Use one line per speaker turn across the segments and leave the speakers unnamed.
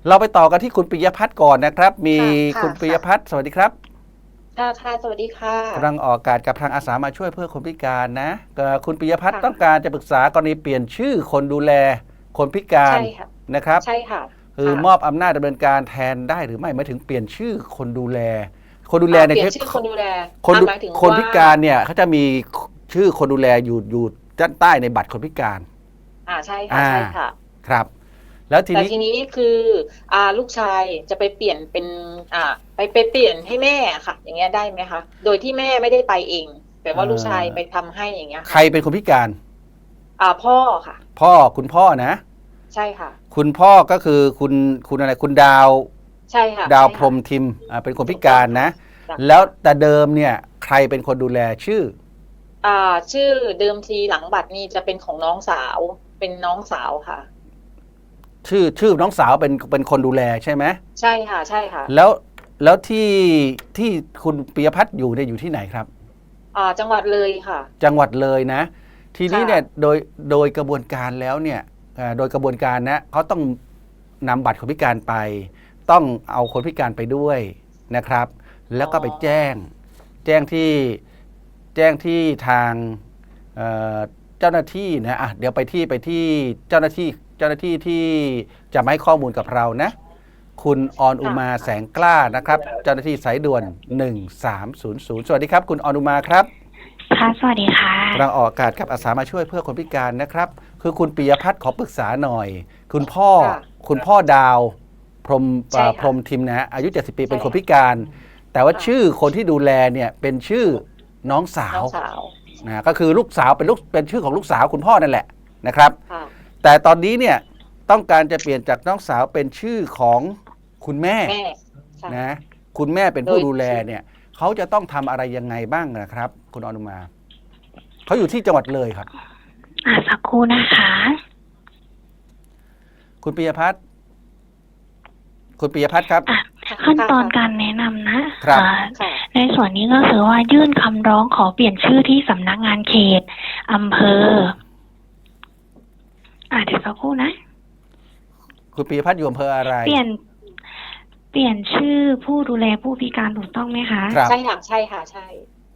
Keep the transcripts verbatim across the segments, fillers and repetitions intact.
เราไปต่อกันที่คุณปิยพัฒน์ก่อนนะครับมี
ค่ะ
คุณปิย
ค่ะ
พัฒน์สวัสดีครับ
ค่ะค่ะสวัสดีค่ะ
กำลังออกอากาศกับทางอาสามาช่วยเพื่อคนพิการนะเอ่อคุณปิยพัฒน์
ค่ะ
ต้องการจะปรึกษากรณีเปลี่ยนชื่อคนดูแลคนพิการ
ใช่ค่ะ
นะครับ
ใช่ค่ะ
คือ
ค่ะ
มอบอำนาจดำเนินการแทนได้หรือไม่หมายถึงเปลี่ยนชื่อคนดูแลคนดูแล
อ่า
เนี่ย
เปลี่ยนชื่อคนดูแล
คนดู
อ่าหมายถึง
คน
ว่า
พิการเนี่ยเขาจะมีชื่อคนดูแลอยู่อยู่ด้านใต้ในบัตรคนพิการ
อ่าใช่ค่ะ
อ่า
ใช่ค่ะ
ครับแล้วที
แต่
นี้
ทีนี้คืออ่าลูกชายจะไปเปลี่ยนเป็นอ่าไปไปเปลี่ยนให้แม่ค่ะ อย่างเงี้ยได้ไหมคะโดยที่แม่ไม่ได้ไปเองแต่ว่า
เอ่
ลูกชาย
อ
ไปทำให้อย่างเงี้ย
ใคร
ค่ะ
เป็นคนพิการ
อ่าพ่อค่ะ
พ่อคุณพ่อนะ
ใช่ค่ะ
คุณพ่อก็คือคุณคุณอะไรคุณดาว
ใช่ค่ะ
ดาว
ใช่ค่ะ
พรหมทิมอ่าเป็นคนพิ
ถูกต้อง
การ
ค่ะ
นะ
จ้ะ
แล้วแต่เดิมเนี่ยใครเป็นคนดูแลชื่อ
อ่าชื่อเดิมทีหลังบัตรนี่จะเป็นของน้องสาวเป็นน้องสาวค่ะ
ชื่อชื่อน้องสาวเป็นเป็นคนดูแลใช่ไหม
ใช่ค่ะใช่ค่ะ
แล้วแล้วที่ที่คุณปิยพัฒน์อยู่เนี่ยอยู่ที่ไหนครับ
อ่าจังหวัดเลยค่ะ
จังหวัดเลยนะทีนี้
ค่ะ
เนี่ยโดยโดยกระบวนการแล้วเนี่ยอ่าโดยกระบวนการนะเขาต้องนำบัตรคนพิการไป ต้องเอาคนพิการไปด้วยนะครับ แล้วก็ไปแจ้งแจ้งที่แจ้งที่ทางเอ่อเจ้าหน้าที่นะอ่ะเดี๋ยวไปที่ไปที่เจ้าหน้าที่เจ้าหน้าที่ที่จะมาให้ข้อมูลกับเรานะคุณออนอุมาแสงกล้านะครับเจ้าหน้าที่สายด่วนหนึ่งสามศูนย์ศูนย์สวัสดีครับคุณออนอุมาครับ
ค่ะสวัสดีค่ะ
กำลังออกอากาศกับอาสามาช่วยเพื่อคนพิการนะครับ คือคุณปิยพัฒน์ขอปรึกษาหน่อย คุณพ่อ
ค่ะ
คุณพ่อดาวพรหม
ใช่ค่ะ
พรหมทิมนะฮะอายุเจ็ดสิบปี
ใช่
เป็นคนพิการ แต่ว่า
ค่ะ
ชื่อคนที่ดูแลเนี่ยเป็นชื่อน้องสา
น้
ว
องสาว
นะก็คือลูกสาวเป็นลูกเป็นชื่อของลูกสาวคุณพ่อนั่นแหละนะครับ
ค่ะ
แต่ตอนนี้เนี่ยต้องการจะเปลี่ยนจากน้องสาวเป็นชื่อของคุณแม่
แม่ใช่
นะคุณแม่เป็นผู้
โดย
ดูแลเนี่ยเขาจะต้องทำอะไรยังไงบ้างนะครับ คุณอนุมาเขาอยู่ที่จังหวัดเลยครับ
อ่าสักครู่นะคะ
คุณปิยพัฒน์คุณปิยพัฒน์ครับ
อ่ะขั้นตอนการแนะนำนะครับ อ่า
ค่ะ
ในส่วนนี้ก็คือว่ายื่นคำร้องขอเปลี่ยนชื่อที่สำนักงานเขตอำเภอ อ่าเดี๋ยวสักครู่นะ
คุณปิยพัฒน์อยู่อำเภออะไร
เปลี่ยน เปลี่ยนชื่อผู้ดูแลผู้พิการถูกต้องไหมคะ
ครับ
ใช่ค่ะใช่ค่ะใช่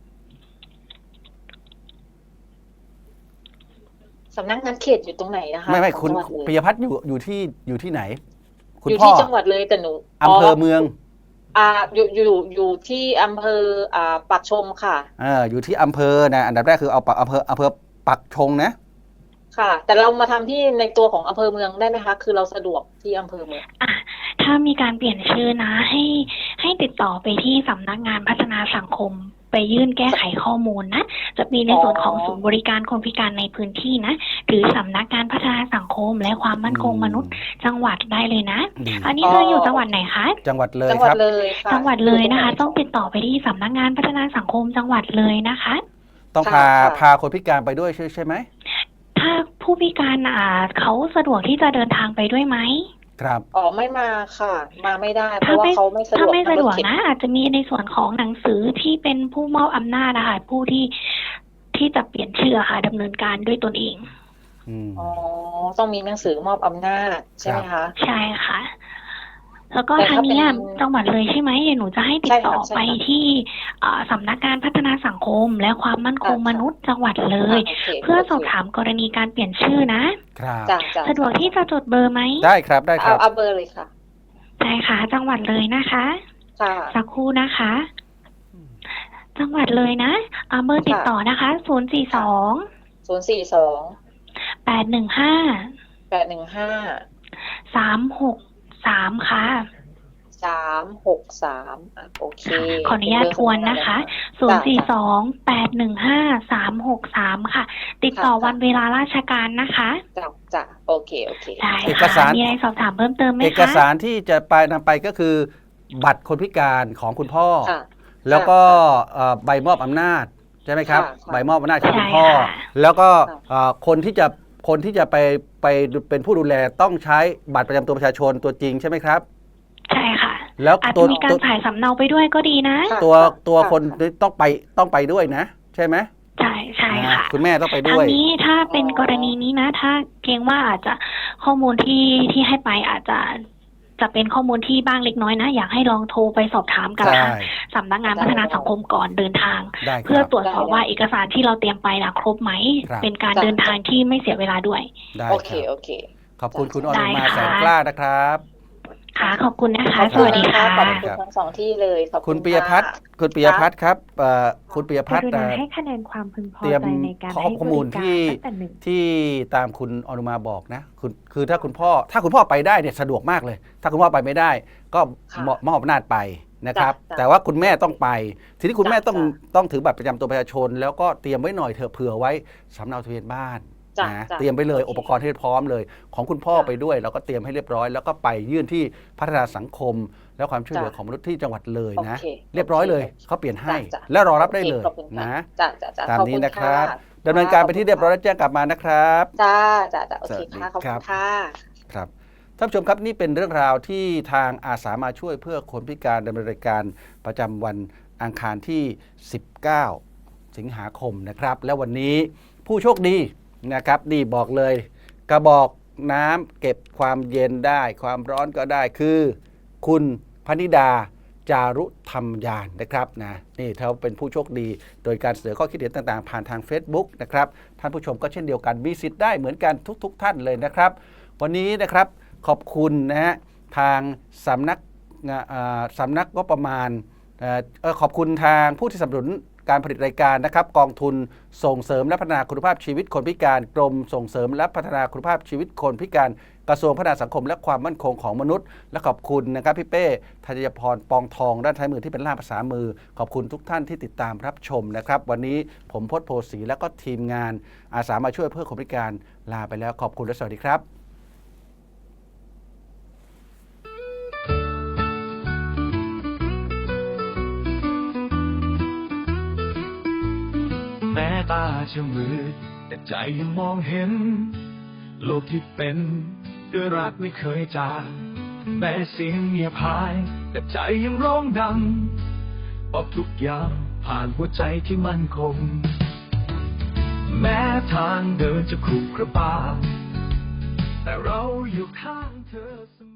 สำนักงานเขตอยู่ตรงไหนนะคะ
ไม่ไม่
ของ
คุณ
จังหวัดเลย
ปิยพัฒน์อยู่อยู่ที่อยู่ที่ไหน คุณ
อยู่
พ่อ
ที่จังหวัดเลยแต่หนู
อำเภอเมือง
อ่าอยู่อยู่อยู่ที่อำเภออ่าปากชมค่ะ
เอออยู่ที่อำเภอนะอันดับแรกคือเอาปักอำเภออำเภอปักชงนะ
ค่ะ แต่เรามาทำที่ในตัวของอำเภอเมืองได้ไหมคะ คือเราสะดวกที่อำเภอเมือง
อ่ะถ้ามีการเปลี่ยนชื่อนะ ให้ให้ติดต่อไปที่สำนักงานพัฒนาสังคม ไปยื่นแก้ไขข้อมูลนะ จะมีในส่วนของศูนย์บริการคนพิการในพื้นที่นะ หรือสำนักงานพัฒนาสังคม และความมั่นคงมนุษย์ จังหวัดได้เลยนะ
ดี
อันนี้
อ๋อ
เธออยู่จังหวัดไหนคะ
จังหวัดเลย
จังหวั
ค
ด
รับ
เลยค่ะ
จังหวัดเลยนะคะ
ยู่
ต้องติดต่อไปที่สำนักงานพัฒนาสังคมจังหวัดเลยนะคะ
ต้อง
ค่ะ
พา
ค่ะ
พาคนพิการไปด้วยใช่ใช่ไหม
ถ้าผู้พิการอ่าเขาสะดวกที่จะเดินทางไปด้วยไหม
ครับ
อ๋อไม่มาค่ะ มาไม่ได้ เพ
ถ้า
ราะว่า
ไม่
เขาไม่สะด
ถ้าว
ก
ไม่สะดวก
รถเข็น
นะ อาจจะมีในส่วนของหนังสือที่เป็นผู้มอบอำนาจนะคะผู้ที่ที่จะเปลี่ยนชื่อค่ะดำเนินการด้วยตนเอง
อืม
อ๋อต้องมีหนังสือมอบอำนาจใช่ไหมคะ
ใช่ค่ะ แล้วก็
แต่
ทา
ถ้าง
เนี้ย
เป็น
จังหวัดเลยใช่ไหมเดี๋ยวหนูจะให้ติดต่อ
ใช่ค่ะใช่
ไป
ค่ะ
ที่อ่าสำนักงานพัฒนาสังคม และความมั่นคง
ค่ะ
มนุษย์จังหวัดเลย
โอเค
เพื่อ
โอเค
สอบถามกรณีการเปลี่ยนชื่อนะ
ครับ
จ้ะจ้ะ
สะดวกที่จะจดเบอร์ไหม
ได้ครับได้ค
เอา
รับ
เอาเบอร์เลยค่ะ
ใช่ค่ะ จังหวัดเลยนะคะ
ค่ะ
สักครู่นะคะ จังหวัดเลยนะอ่าเบอร์ติดต่อนะคะศูนย์สี่สอง
ศูนย์สี่สอง
แปดหนึ่งห้า
แปดหนึ่งห้า
สามหกสามค่ะ
สามหกสามอ่ะโอเค
ขออนุญาตทวนนะคะศูนย์สี่สองแปดหนึ่งห้าสามหกสามค่ะ ติดต่อวันเวลาราชการนะคะ
จ้ะจ้ะโอเคโอเค
ได้
เอก
ค่ะ
สาร
มีอะไรสอบถามเพิ่มเติมไหมคะ
เอกสารที่จะไปนำไปก็คือ บัตรคนพิการของคุณพ่อ
ค่ะ
แล้วก็เอ่อใบมอบอำนาจใช่ไหมครับ
ค่ะค่ะ
ใบมอบอำนาจของคุณ
ใช่
พ่อ
ค่ะ
แล้วก็
ค่ะ
เอ่อคนที่จะคนที่จะไปไปเป็นผู้ดูแลต้องใช้บัตรประจำตัวประชาชนตัวจริงใช่ไหมครับ
ใช่ค่ะ
แล้ว
อาจ
ตั
จะ
ว
มีการ
ตัว
ถ่ายสำเนาไปด้วยก็ดีนะ
ค่ะ
ตัวตัว
ค่ะ
คนต้องไปต้องไปด้วยนะ ใช่ไหม
ใช่ใช่ค่ะ
อ่าคุณแม่ต้องไป
ทา
ด้
ง
วย
นี้ถ้าเป็นกรณีนี้นะ ถ้าเกรงว่าอาจจะข้อมูลที่ที่ให้ไปอาจจะจะเป็นข้อมูลที่บ้างเล็กน้อยนะอยากให้ลองโทรไปสอบถามกับ
ใช่
ทางสำนักงานพัฒนาสังคมก่อนเดินทาง
ได้ค
เพื่อ
รับ
ตรวจสอบว่าเอกสารที่เราเตรียมไปนะครบไหม
ครับ
เป็นการเดินทางที่ไม่เสียเวลาด้วย
ได้
โอ
ค
เค
รับ
โอเค
ขอบคุณคุณอ
ได้
นุมา
ค่ะ
แสนกล้านะครับ
ค่ะขอบคุณนะคะ
ขอบ
ส
คุณ
วัสดี
นะคะ
ค่ะ
ขอบคุณทั้งสองที่เลยขอบ
คุ
คุณ ณ
ปิยพัฒน์
ค่ะ
คุณปิยพัฒน์ครับเอ่อคุณปิยพัฒน์
กรุณา
เอ่อ
ให้คะแนนความพึงพอ
เตรียม
ใจในการ
ข้อ
ให้
ข้
บ
อมูล
ริการ
ที่
ตั้งแต่หนึ่ง
ที่ตามคุณอนุมาบอกนะคุณคือถ้าคุณพ่อถ้าคุณพ่อไปได้เนี่ยสะดวกมากเลย ถ้าคุณพ่อไปไม่ได้ ก็
ค่ะ
มอบมอบอำนาจไปนะครับ
จ้ะ
แต่ว่าคุณแม่ต้องไป ทีนี้คุณแม่
จ้ะ
ต้อง
จ้ะ
ต้องถือบัตรประจำตัวประชาชน แล้วก็เตรียมไว้หน่อยเถอะเผื่อไว้สำเนาทะเบียนบ้าน
จ้ะ
นะ
จ้ะ
เตรียมไปเลย
โอเค
อุปกรณ์ให้พร้อมเลย ของคุณพ่อ
จ้ะ
ไปด้วยเราก็เตรียมให้เรียบร้อย แล้วก็ไปยื่นที่พัฒนาสังคม และความช่วยเหลือ
จ้ะ
ของมนุษย์ที่จังหวัดเลยนะ
โอเค
เรียบร้อยเลย
โอเค
เขาเปลี่ยนให้
จ้ะจ้ะ
แล้วรอรับได้เลย
โอคขอบคุณค่ะ
นะ
จ้ะจ้ะจ้ะ
ตาม
ขอบ
นี้
คุณ
นะครับ
ค่ะ
ดำเนินการไปที่เรียบร้อยแล้วแจ้งกลับมานะครับ
จ้าจ้าจ้าโอเค
สวัสดี
ค่ะขอบ
ครั
คุ
บ
ณค่ะ
ครับท่านผู้ชมครับนี่เป็นเรื่องราวที่ทางอาสามาช่วยเพื่อคนพิการดำเนินรายการประจำวันอังคารที่ สิบเก้า สิงหาคมนะครับ และวันนี้ผู้โชคดีนะครับนี่บอกเลยกระบอกน้ำเก็บความเย็นได้ ความร้อนก็ได้คือ คุณพนิดาจารุธรรมยานนะครับนะนี่เขาเป็นผู้โชคดี โดยการเสนอข้อคิดเห็นต่างๆ ผ่านทาง Facebook นะครับท่านผู้ชมก็เช่นเดียวกันมีสิทธิ์ได้เหมือนกันทุกๆ ท่านเลยนะครับ วันนี้นะครับขอบคุณนะฮะทางสำนักงาอ่าสำนักงบประมาณเอ่อเอ่อขอบคุณทางผู้ที่สนับสนุนการผลิตรายการนะครับกองทุนส่งเสริมและพัฒนาคุณภาพชีวิตคนพิการกรมส่งเสริมและพัฒนาคุณภาพชีวิตคนพิการกระทรวงพัฒนาสังคมและความมั่นคงของมนุษย์ และขอบคุณนะครับพี่เป้ธัญพรปองทองด้านท้ายมือที่เป็นล่ามภาษามือ ขอบคุณทุกท่านที่ติดตามรับชมนะครับ วันนี้ผมพจน์โพสีและก็ทีมงานอาสามาช่วยเพื่อคนพิการลาไปแล้วขอบคุณและสวัสดีครับ
แม้ตาจะมืดแต่ใจยังมองเห็น โลกที่เป็นด้วยรักไม่เคยจางแม้เสียงเงียบหายแต่ใจยังร้องดังบอกทุกอย่างผ่านหัวใจที่มั่นคง แม้ทางเดินจะขรุขระบาแต่เราอยู่ข้างเธอเสมอ